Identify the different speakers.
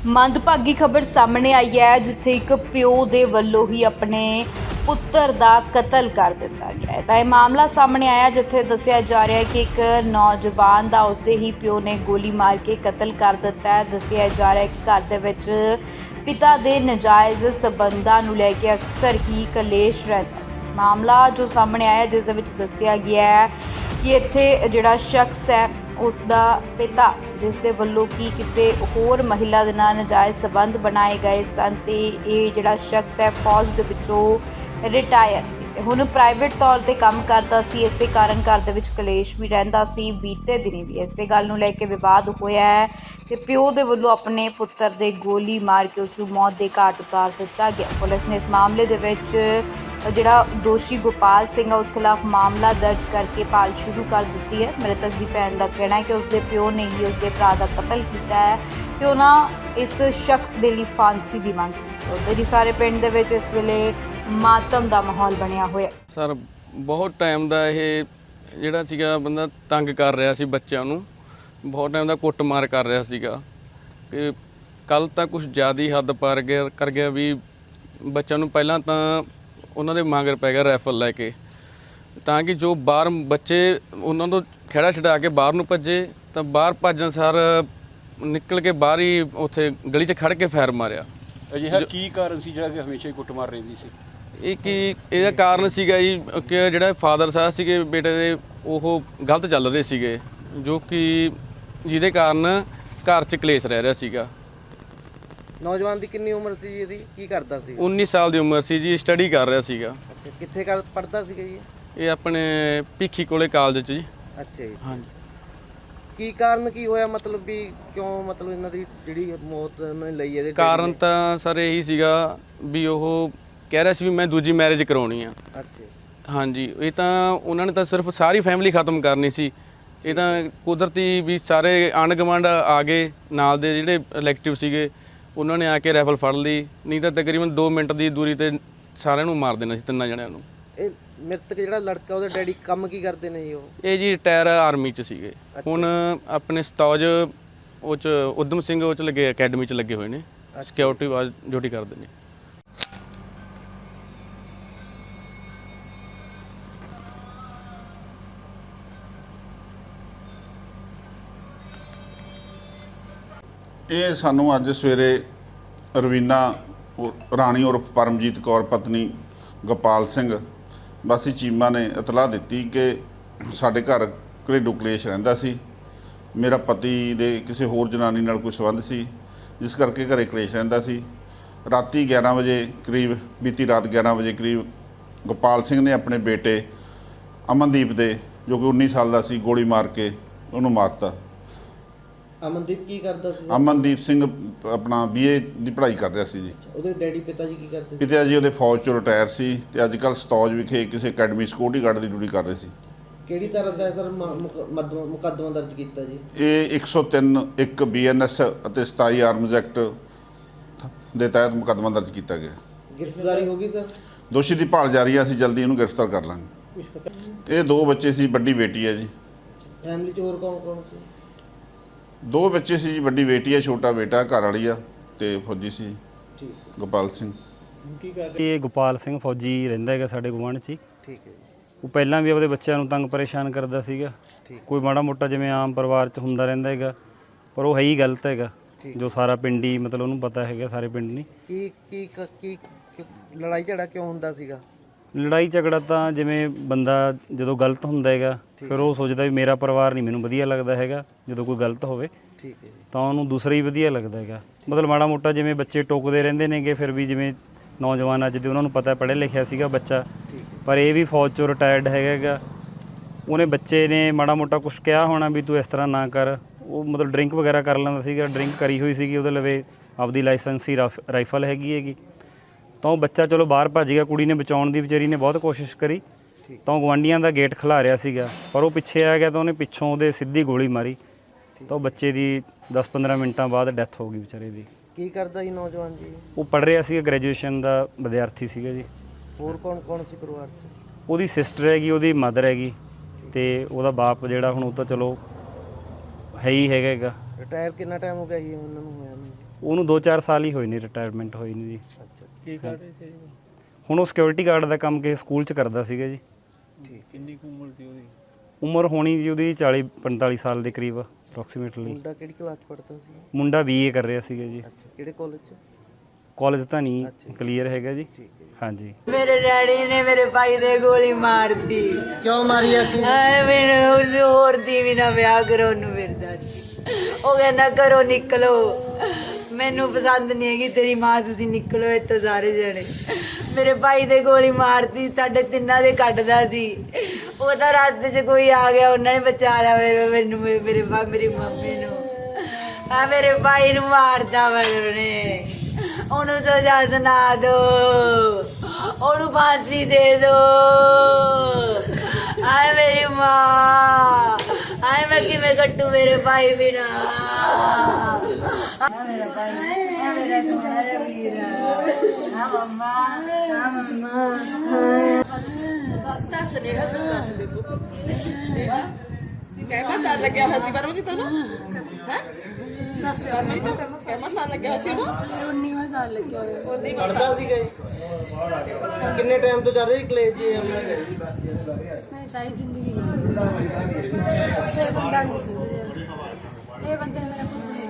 Speaker 1: ਮੰਦਭਾਗੀ ਖਬਰ ਸਾਹਮਣੇ ਆਈ ਹੈ ਜਿੱਥੇ ਇੱਕ ਪਿਓ ਦੇ ਵੱਲੋਂ ਹੀ ਆਪਣੇ ਪੁੱਤਰ ਦਾ ਕਤਲ ਕਰ ਦਿੱਤਾ ਗਿਆ ਹੈ। ਤਾਂ ਇਹ ਮਾਮਲਾ ਸਾਹਮਣੇ ਆਇਆ ਜਿੱਥੇ ਦੱਸਿਆ ਜਾ ਰਿਹਾ ਹੈ ਕਿ ਇੱਕ ਨੌਜਵਾਨ ਦਾ ਉਸਦੇ ਹੀ ਪਿਓ ਨੇ ਗੋਲੀ ਮਾਰ ਕੇ ਕਤਲ ਕਰ ਦਿੱਤਾ ਹੈ। ਦੱਸਿਆ ਜਾ ਰਿਹਾ ਹੈ ਕਿ ਘਰ ਦੇ ਵਿੱਚ ਪਿਤਾ ਦੇ ਨਾਜਾਇਜ਼ ਸਬੰਧਾਂ ਨੂੰ ਲੈ ਕੇ ਅਕਸਰ ਹੀ ਕਲੇਸ਼ ਰਹਿੰਦਾ ਸੀ। ਮਾਮਲਾ ਜੋ ਸਾਹਮਣੇ ਆਇਆ ਜਿਸ ਦੇ ਵਿੱਚ ਦੱਸਿਆ ਗਿਆ ਹੈ ਕਿ ਇੱਥੇ ਜਿਹੜਾ ਸ਼ਖਸ ਹੈ ਉਸ ਦਾ ਪਿਤਾ ਜਿਸ ਦੇ ਵੱਲੋਂ ਕਿ ਕਿਸੇ ਹੋਰ ਮਹਿਲਾ ਦੇ ਨਾਲ ਨਾਜਾਇਜ਼ ਸਬੰਧ ਬਣਾਏ ਗਏ ਸਨ ਤੇ ਇਹ ਜਿਹੜਾ ਸ਼ਖਸ ਹੈ ਫੌਜ ਦੇ ਵਿੱਚੋਂ ਰਿਟਾਇਰ ਸੀ ਤੇ ਹੁਣ ਪ੍ਰਾਈਵੇਟ ਤੌਰ ਤੇ ਕੰਮ ਕਰਦਾ ਸੀ। ਇਸੇ ਕਾਰਨ ਘਰ ਦੇ ਵਿੱਚ ਕਲੇਸ਼ ਵੀ ਰਹਿੰਦਾ ਸੀ। ਬੀਤੇ ਦਿਨੀ ਵੀ ਇਸੇ ਗੱਲ ਨੂੰ ਲੈ ਕੇ ਵਿਵਾਦ ਹੋਇਆ ਹੈ ਤੇ ਪਿਓ ਦੇ ਵੱਲੋਂ ਆਪਣੇ ਪੁੱਤਰ ਦੇ ਗੋਲੀ ਮਾਰ ਕੇ ਉਸ ਨੂੰ ਮੌਤ ਦੇ ਘਾਟ ਉਤਾਰ ਦਿੱਤਾ ਗਿਆ। ਪੁਲਿਸ ਨੇ ਇਸ ਮਾਮਲੇ ਦੇ ਵਿੱਚ ਜਿਹੜਾ ਦੋਸ਼ੀ ਗੋਪਾਲ ਸਿੰਘ ਹੈ ਉਸ ਖਿਲਾਫ ਮਾਮਲਾ ਦਰਜ ਕਰਕੇ ਭਾਲ ਸ਼ੁਰੂ ਕਰ ਦਿੱਤੀ ਹੈ। ਮ੍ਰਿਤਕ ਦੀ ਭੈਣ ਦਾ ਕਹਿਣਾ ਹੈ ਕਿ ਉਸਦੇ ਪਿਓ ਨੇ ਹੀ ਉਸਦੇ ਭਰਾ ਦਾ ਕਤਲ ਕੀਤਾ ਹੈ ਤੇ ਉਹਨਾਂ ਇਸ ਸ਼ਖਸ ਦੇ ਲਈ ਫਾਂਸੀ ਦੀ ਮੰਗ ਕੀਤੀ। ਉਹਦੇ ਲਈ ਸਾਰੇ ਪਿੰਡ ਦੇ ਵਿੱਚ ਇਸ ਵੇਲੇ ਮਾਤਮ ਦਾ ਮਾਹੌਲ ਬਣਿਆ ਹੋਇਆ
Speaker 2: ਸਰ। ਬਹੁਤ ਟਾਈਮ ਦਾ ਇਹ ਜਿਹੜਾ ਸੀਗਾ ਬੰਦਾ ਤੰਗ ਕਰ ਰਿਹਾ ਸੀ ਬੱਚਿਆਂ ਨੂੰ, ਬਹੁਤ ਟਾਈਮ ਦਾ ਕੁੱਟਮਾਰ ਕਰ ਰਿਹਾ ਸੀਗਾ ਕਿ ਕੱਲ ਤਾਂ ਕੁਝ ਜ਼ਿਆਦਾ ਹੀ ਹੱਦ ਪਾਰ ਕਰ ਗਿਆ ਵੀ ਬੱਚਿਆਂ ਨੂੰ ਪਹਿਲਾਂ ਤਾਂ ਉਹਨਾਂ ਦੇ ਮਗਰ ਪੈ ਗਿਆ ਰਾਈਫਲ ਲੈ ਕੇ ਤਾਂ ਕਿ ਜੋ ਬਾਹਰ ਬੱਚੇ ਉਹਨਾਂ ਤੋਂ ਖਹਿੜਾ ਛਡਾ ਕੇ ਬਾਹਰ ਨੂੰ ਭੱਜੇ ਤਾਂ ਬਾਹਰ ਭੱਜਣ ਸਾਰ ਨਿਕਲ ਕੇ ਬਾਹਰ ਹੀ ਉੱਥੇ ਗਲੀ 'ਚ ਖੜ ਕੇ ਫਾਇਰ ਮਾਰਿਆ।
Speaker 3: ਅਜਿਹਾ ਕੀ ਕਾਰਨ ਸੀ ਜਿਹੜਾ ਕਿ ਹਮੇਸ਼ਾ ਹੀ ਕੁੱਟਮਾਰ ਰਹਿੰਦੀ ਸੀ?
Speaker 2: ਇਹਦਾ ਕਾਰਨ ਸੀਗਾ ਜੀ ਕਿ ਜਿਹੜਾ ਫਾਦਰ ਸਾਹਿਬ ਸੀਗੇ ਬੇਟੇ ਦੇ ਉਹ ਗਲਤ ਚੱਲ ਰਹੇ ਸੀਗੇ ਜੋ ਕਿ ਜਿਹਦੇ ਕਾਰਨ ਘਰ 'ਚ ਕਲੇਸ਼ ਰਹਿ ਰਿਹਾ ਸੀਗਾ।
Speaker 4: ਨੌਜਵਾਨ ਦੀ ਕਿੰਨੀ ਉਮਰ ਸੀ ਜੀ? ਇਹਦੀ ਕੀ ਕਰਦਾ ਸੀ?
Speaker 2: 19 ਸਾਲ ਦੀ ਉਮਰ ਸੀ ਜੀ। ਸਟੱਡੀ ਕਰ ਰਿਹਾ ਸੀਗਾ।
Speaker 4: ਅੱਛਾ, ਕਿੱਥੇ ਪੜ੍ਹਦਾ ਸੀਗਾ ਜੀ?
Speaker 2: ਇਹ ਆਪਣੇ ਭਿੱਖੀ ਕੋਲੇ ਕਾਲਜ 'ਚ ਜੀ।
Speaker 4: ਅੱਛਾ ਜੀ।
Speaker 2: ਹਾਂਜੀ।
Speaker 4: ਕੀ ਕਾਰਨ ਕੀ ਹੋਇਆ, ਮਤਲਬ ਵੀ ਕਿਉਂ ਮਤਲਬ ਇਹਨਾਂ ਦੀ ਜਿਹੜੀ ਮੌਤ ਉਹਨਾਂ ਨੇ ਲਈ ਇਹਦੇ?
Speaker 2: ਕਾਰਨ ਤਾਂ ਸਰ ਇਹੀ ਸੀਗਾ ਵੀ ਉਹ ਕਹਿ ਰਿਹਾ ਸੀ ਵੀ ਮੈਂ ਦੂਜੀ ਮੈਰਿਜ ਕਰਾਉਣੀ ਆ।
Speaker 4: ਅੱਛਾ।
Speaker 2: ਹਾਂਜੀ, ਇਹ ਤਾਂ ਉਹਨਾਂ ਨੇ ਤਾਂ ਸਿਰਫ ਸਾਰੀ ਫੈਮਿਲੀ ਖਤਮ ਕਰਨੀ ਸੀ। ਇਹ ਤਾਂ ਕੁਦਰਤੀ ਵੀ ਸਾਰੇ ਆਂਢ ਗੁਆਂਢ ਆ ਗਏ, ਨਾਲ ਦੇ ਜਿਹੜੇ ਇਲੈਕਟਿਵ ਸੀਗੇ ਉਹਨਾਂ ਨੇ ਆ ਕੇ ਰਾਈਫਲ ਫੜ ਲਈ, ਨਹੀਂ ਤਾਂ ਤਕਰੀਬਨ 2 ਮਿੰਟ ਦੀ ਦੂਰੀ ਤੇ ਸਾਰਿਆਂ ਨੂੰ ਮਾਰ ਦੇਣਾ ਸੀ, ਤਿੰਨਾਂ ਜਣਿਆਂ ਨੂੰ।
Speaker 4: ਇਹ ਮ੍ਰਿਤਕ ਜਿਹੜਾ ਲੜਕਾ ਉਹਦੇ ਡੈਡੀ ਕੰਮ ਕੀ ਕਰਦੇ ਨੇ ਜੀ?
Speaker 2: ਇਹ ਜੀ ਰਿਟਾਇਰ ਆਰਮੀ 'ਚ ਸੀਗੇ। ਹੁਣ ਆਪਣੇ ਸਤੌਜ ਉਹ 'ਚ ਉਦਮ ਸਿੰਘ ਉਹ 'ਚ ਲੱਗੇ, ਅਕੈਡਮੀ 'ਚ ਲੱਗੇ ਹੋਏ ਨੇ, ਸਿਕਿਉਰਿਟੀ ਵਾਜ ਡਿਊਟੀ ਕਰਦੇ ਨੇ।
Speaker 5: ਇਹ ਸਾਨੂੰ ਅੱਜ ਸਵੇਰੇ ਰਵੀਨਾ ਰਾਣੀ ਉਰਫ ਪਰਮਜੀਤ ਕੌਰ ਪਤਨੀ ਗੋਪਾਲ ਸਿੰਘ ਵਾਸੀ ਚੀਮਾ ਨੇ ਇਤਲਾਹ ਦਿੱਤੀ ਕਿ ਸਾਡੇ ਘਰ ਘਰੇਲੂ ਕਲੇਸ਼ ਰਹਿੰਦਾ ਸੀ। ਮੇਰਾ ਪਤੀ ਦੇ ਕਿਸੇ ਹੋਰ ਜਨਾਨੀ ਨਾਲ ਕੋਈ ਸੰਬੰਧ ਸੀ ਜਿਸ ਕਰਕੇ ਘਰੇ ਕਲੇਸ਼ ਰਹਿੰਦਾ ਸੀ। ਰਾਤੀ 11 ਵਜੇ ਕਰੀਬ, ਬੀਤੀ ਰਾਤ 11 ਵਜੇ ਕਰੀਬ ਗੋਪਾਲ ਸਿੰਘ ਨੇ ਆਪਣੇ ਬੇਟੇ ਅਮਨਦੀਪ ਦੇ, ਜੋ ਕਿ 19 ਸਾਲ ਦਾ ਸੀ, ਗੋਲੀ ਮਾਰ ਕੇ ਉਹਨੂੰ ਮਾਰਤਾ।
Speaker 4: ਅਮਨਦੀਪ ਕੀ ਕਰਦਾ ਸੀ?
Speaker 5: ਅਮਨਦੀਪ ਸਿੰਘ ਆਪਣਾ BA ਦੀ ਪੜ੍ਹਾਈ ਕਰ ਰਿਹਾ ਸੀ ਜੀ।
Speaker 4: ਉਹਦੇ ਡੈਡੀ ਪਿਤਾ ਜੀ ਕੀ ਕਰਦੇ ਸੀ?
Speaker 5: ਪਿਤਾ ਜੀ ਉਹਦੇ ਫੌਜ 'ਚੋਂ ਰਿਟਾਇਰ ਸੀ ਤੇ ਅੱਜ ਕੱਲ੍ਹ ਸਤੌਜ ਵਿਖੇ ਕਿਸੇ ਅਕੈਡਮੀ ਸਿਕਿਉਰਿਟੀ ਗਾਰਡ ਦੀ ਡਿਊਟੀ ਕਰ ਰਹੇ ਸੀ।
Speaker 4: ਕਿਹੜੀ ਤਰ੍ਹਾਂ ਦਾ ਸਰ ਮੁਕੱਦਮਾ ਦਰਜ ਕੀਤਾ ਜੀ?
Speaker 5: ਇਹ 103 1 BNS ਅਤੇ 27 ਆਰਮਜ਼ ਐਕਟ ਦੇ ਤਹਿਤ ਮੁਕੱਦਮਾ ਦਰਜ ਕੀਤਾ ਗਿਆ।
Speaker 4: ਗ੍ਰਿਫਤਾਰੀ ਹੋ ਗਈ ਸਰ?
Speaker 5: ਦੋਸ਼ੀ ਦੀ ਭਾਲ ਜਾਰੀ ਹੈ, ਅਸੀਂ ਜਲਦੀ ਇਹਨੂੰ ਗ੍ਰਿਫਤਾਰ ਕਰ ਲਾਂਗੇ। ਇਹ 2 ਬੱਚੇ ਸੀ, ਵੱਡੀ ਬੇਟੀ ਹੈ ਜੀ।
Speaker 4: ਫੈਮਿਲੀ 'ਚ ਹੋਰ ਕੌਣ ਕੌਣ ਸੀ?
Speaker 5: 2 ਬੱਚੇ ਸੀ ਜੀ, ਵੱਡੀ ਬੇਟੀ ਹੈ, ਛੋਟਾ ਬੇਟਾ, ਘਰ ਵਾਲੀ ਆ ਤੇ ਫੌਜੀ ਸੀ
Speaker 4: ਠੀਕ।
Speaker 5: ਗੋਪਾਲ ਸਿੰਘ।
Speaker 6: ਇਹ ਗੋਪਾਲ ਸਿੰਘ ਫੌਜੀ ਰਹਿੰਦਾ ਹੈਗਾ ਸਾਡੇ ਗੁਆਂਢ 'ਚ।
Speaker 4: ਠੀਕ ਹੈ ਜੀ।
Speaker 6: ਉਹ ਪਹਿਲਾਂ ਵੀ ਆਪਦੇ ਬੱਚਿਆਂ ਨੂੰ ਤੰਗ ਪਰੇਸ਼ਾਨ ਕਰਦਾ ਸੀਗਾ। ਕੋਈ ਮਾੜਾ ਮੋਟਾ ਜਿਵੇਂ ਆਮ ਪਰਿਵਾਰ 'ਚ ਹੁੰਦਾ ਰਹਿੰਦਾ ਹੈਗਾ, ਪਰ ਉਹ ਹੈ ਹੀ ਗਲਤ ਹੈਗਾ ਜੋ ਸਾਰਾ ਪਿੰਡ ਹੀ ਮਤਲਬ ਉਹਨੂੰ ਪਤਾ ਹੈਗਾ, ਸਾਰੇ ਪਿੰਡ ਨਹੀਂ।
Speaker 4: ਕੀ ਕੀ ਕੀ ਲੜਾਈ ਝਗੜਾ ਕਿਉਂ ਹੁੰਦਾ ਸੀਗਾ?
Speaker 6: ਲੜਾਈ ਝਗੜਾ ਤਾਂ ਜਿਵੇਂ ਬੰਦਾ ਜਦੋਂ ਗਲਤ ਹੁੰਦਾ ਹੈਗਾ ਫਿਰ ਉਹ ਸੋਚਦਾ ਵੀ ਮੇਰਾ ਪਰਿਵਾਰ ਨਹੀਂ ਮੈਨੂੰ ਵਧੀਆ ਲੱਗਦਾ ਹੈਗਾ, ਜਦੋਂ ਕੋਈ ਗਲਤ ਹੋਵੇ
Speaker 4: ਠੀਕ ਹੈ
Speaker 6: ਤਾਂ ਉਹਨੂੰ ਦੂਸਰਾ ਹੀ ਵਧੀਆ ਲੱਗਦਾ ਹੈਗਾ। ਮਤਲਬ ਮਾੜਾ ਮੋਟਾ ਜਿਵੇਂ ਬੱਚੇ ਟੋਕਦੇ ਰਹਿੰਦੇ ਨੇਗੇ, ਫਿਰ ਵੀ ਜਿਵੇਂ ਨੌਜਵਾਨ ਅੱਜ ਦੇ ਉਹਨਾਂ ਨੂੰ ਪਤਾ ਪੜ੍ਹਿਆ ਲਿਖਿਆ ਸੀਗਾ ਬੱਚਾ, ਪਰ ਇਹ ਵੀ ਫੌਜ 'ਚੋਂ ਰਿਟਾਇਰਡ ਹੈਗਾ। ਉਹਨੇ ਬੱਚੇ ਨੇ ਮਾੜਾ ਮੋਟਾ ਕੁਛ ਕਿਹਾ ਹੋਣਾ ਵੀ ਤੂੰ ਇਸ ਤਰ੍ਹਾਂ ਨਾ ਕਰ। ਉਹ ਮਤਲਬ ਡਰਿੰਕ ਵਗੈਰਾ ਕਰ ਲੈਂਦਾ ਸੀਗਾ, ਡਰਿੰਕ ਕਰੀ ਹੋਈ ਸੀਗੀ, ਉਹਦੇ ਲਵੇ ਆਪਦੀ ਲਾਇਸੈਂਸੀ ਰਾਈਫਲ ਹੈਗੀ। ਤਾਂ ਉਹ ਬੱਚਾ ਚਲੋ ਬਾਹਰ ਭੱਜ ਗਿਆ। ਕੁੜੀ ਨੇ ਬਚਾਉਣ ਦੀ, ਵਿਚਾਰੀ ਨੇ ਬਹੁਤ ਕੋਸ਼ਿਸ਼ ਕਰੀ, ਤਾਂ ਉਹ ਗੁਆਂਢੀਆਂ ਦਾ ਗੇਟ ਖਿਲਾ ਰਿਹਾ ਸੀਗਾ, ਪਰ ਉਹ ਪਿੱਛੇ ਆ ਗਿਆ ਤਾਂ ਉਹਨੇ ਪਿੱਛੋਂ ਉਹਦੇ ਸਿੱਧੀ ਗੋਲੀ ਮਾਰੀ ਤਾਂ ਉਹ ਬੱਚੇ ਦੀ 10-15 ਮਿੰਟਾਂ ਬਾਅਦ ਡੈਥ ਹੋ ਗਈ ਵਿਚਾਰੇ ਦੀ।
Speaker 4: ਕੀ ਕਰਦਾ ਜੀ ਨੌਜਵਾਨ ਜੀ?
Speaker 6: ਉਹ ਪੜ੍ਹ ਰਿਹਾ ਸੀਗਾ, ਗ੍ਰੈਜੂਏਸ਼ਨ ਦਾ ਵਿਦਿਆਰਥੀ ਸੀਗਾ ਜੀ।
Speaker 4: ਹੋਰ ਕੌਣ ਕੌਣ ਸੀ ਪਰਿਵਾਰ 'ਚ?
Speaker 6: ਉਹਦੀ ਸਿਸਟਰ ਹੈਗੀ, ਉਹਦੀ ਮਦਰ ਹੈਗੀ ਤੇ ਉਹਦਾ ਬਾਪ ਜਿਹੜਾ ਹੁਣ ਉਹ ਤਾਂ ਚਲੋ ਹੈ ਹੀ ਹੈਗਾ।
Speaker 4: ਰਿਟਾਇਰ ਕਿੰਨਾ ਟਾਈਮ ਹੋ ਗਿਆ ਜੀ ਉਹਨਾਂ ਨੂੰ ਹੋਇਆ ਨੂੰ?
Speaker 6: ਉਹਨੂੰ 2-4 ਸਾਲ ਹੀ ਹੋਏ ਨੇ ਰਿਟਾਇਰਮੈਂਟ ਹੋਈ ਨੂੰ ਜੀ।
Speaker 4: ਅੱਛਾ
Speaker 3: ਕੀ ਕਰ ਰਹੇ ਸੀ
Speaker 6: ਹੁਣ ਉਹ ਸਿਕਿਉਰਿਟੀ ਗਾਰਡ ਦਾ ਕੰਮ ਕਿਸੇ ਸਕੂਲ 'ਚ ਕਰਦਾ ਸੀਗਾ ਜੀ।
Speaker 4: ਠੀਕ।
Speaker 3: ਕਿੰਨੀ ਕੁ ਉਮਰ ਸੀ ਉਹਦੀ?
Speaker 6: ਉਮਰ ਹੋਣੀ ਜੀ ਉਹਦੀ 40-45 ਸਾਲ ਦੇ ਕਰੀਬ ਅਪਰੋਕਸੀਮੇਟਲੀ।
Speaker 4: ਮੁੰਡਾ ਕਿਹੜੀ ਕਲਾਸ ਪੜ੍ਹਦਾ ਸੀ?
Speaker 6: ਮੁੰਡਾ BA ਕਰ ਰਿਹਾ ਸੀਗਾ ਜੀ।
Speaker 4: ਅੱਛਾ ਕਿਹੜੇ ਕਾਲਜ 'ਚ?
Speaker 6: ਕਾਲਜ ਤਾਂ ਨਹੀਂ
Speaker 4: ਅੱਛਾ ਜੀ।
Speaker 6: ਕਲੀਅਰ ਹੈਗਾ ਜੀ।
Speaker 4: ਠੀਕ ਹੈ ਜੀ।
Speaker 6: ਹਾਂਜੀ।
Speaker 7: ਮੇਰੇ ਡੈਡੀ ਨੇ ਮੇਰੇ ਭਾਈ ਦੇ ਗੋਲੀ ਮਾਰਤੀ।
Speaker 4: ਕਿਉਂ ਮਾਰੀ ਸੀ?
Speaker 7: ਐ ਮੈਨੂੰ ਹੋਰ ਦੀ ਵੀ ਨਾ ਵਿਆਹ ਕਰੋ ਨੂੰ ਫਿਰਦਾ ਸੀ। ਉਹ ਕਹਿੰਦਾ ਘਰੋਂ ਨਿਕਲੋ, ਮੈਨੂੰ ਪਸੰਦ ਨਹੀਂ ਹੈਗੀ ਤੇਰੀ ਮਾਂ, ਤੁਸੀਂ ਨਿਕਲੋ ਇੱਥੋਂ ਸਾਰੇ ਜਣੇ। ਮੇਰੇ ਭਾਈ ਦੇ ਗੋਲੀ ਮਾਰਤੀ, ਸਾਡੇ ਤਿੰਨਾਂ ਦੇ ਕੱਢਦਾ ਸੀ। ਉਹ ਤਾਂ ਰਾਤ 'ਚ ਕੋਈ ਆ ਗਿਆ, ਉਹਨਾਂ ਨੇ ਬਚਾ ਲਿਆ ਮੈਨੂੰ, ਮੇਰੀ ਮੰਮੀ ਨੂੰ। ਆ ਮੇਰੇ ਭਾਈ ਨੂੰ ਮਾਰਦਾ ਵਾ ਉਹਨੇ। ਉਹਨੂੰ ਸਜ਼ਾ ਸੁਣਾ ਦੋ, ਉਹਨੂੰ ਫਾਂਸੀ ਦੇ ਦੋ। ਆਏ ਮੇਰੀ ਮਾਂ, ਆਏ ਮੈਂ ਕਿਵੇਂ ਕੱਟੂ ਮੇਰੇ ਭਾਈ ਬਿਨਾ। ਮੇਰਾ ਭਾਈ, ਮੇਰਾ ਸੋਹਣਾ ਜਿਹਾ ਵੀਰ। ਹਾਂ ਮੰਮਾ, ਹਾਂ ਮੰਮਾ। ਦੱਸ ਦੇ ਪੁੱਤ।
Speaker 8: ਕਹਿਮਾ ਸਾਲ ਲੱਗਿਆ ਹੋਇਆ ਸੀ ਪਰ ਉਹਦੀ ਤਾਂ ਨਾ ਹੈ ਮੇਰੀ ਤਾਂ ਕਹਿਮਾ ਸਾਲ ਲੱਗਿਆ ਹੋਇਆ ਸੀ ਉਹਨੂੰ
Speaker 7: 19ਵਾਂ ਸਾਲ ਲੱਗਿਆ ਹੋਇਆ।
Speaker 8: 19ਵਾਂ ਸਾਲ
Speaker 4: ਪੜ੍ਹਦਾ ਸੀਗਾ ਜੀ? ਕਿੰਨੇ ਟਾਈਮ ਤੋਂ ਚੱਲ ਰਹੀ ਕਲੇਜ ਜੀ?
Speaker 7: ਮੈਂ ਸਾਰੀ ਜ਼ਿੰਦਗੀ ਨਹੀਂ ਇਹ ਬੰਦਾ ਨਹੀਂ ਸੁਧਰਿਆ। ਇਹ ਬੰਦੇ ਨੇ ਮੇਰਾ ਪੁੱਤ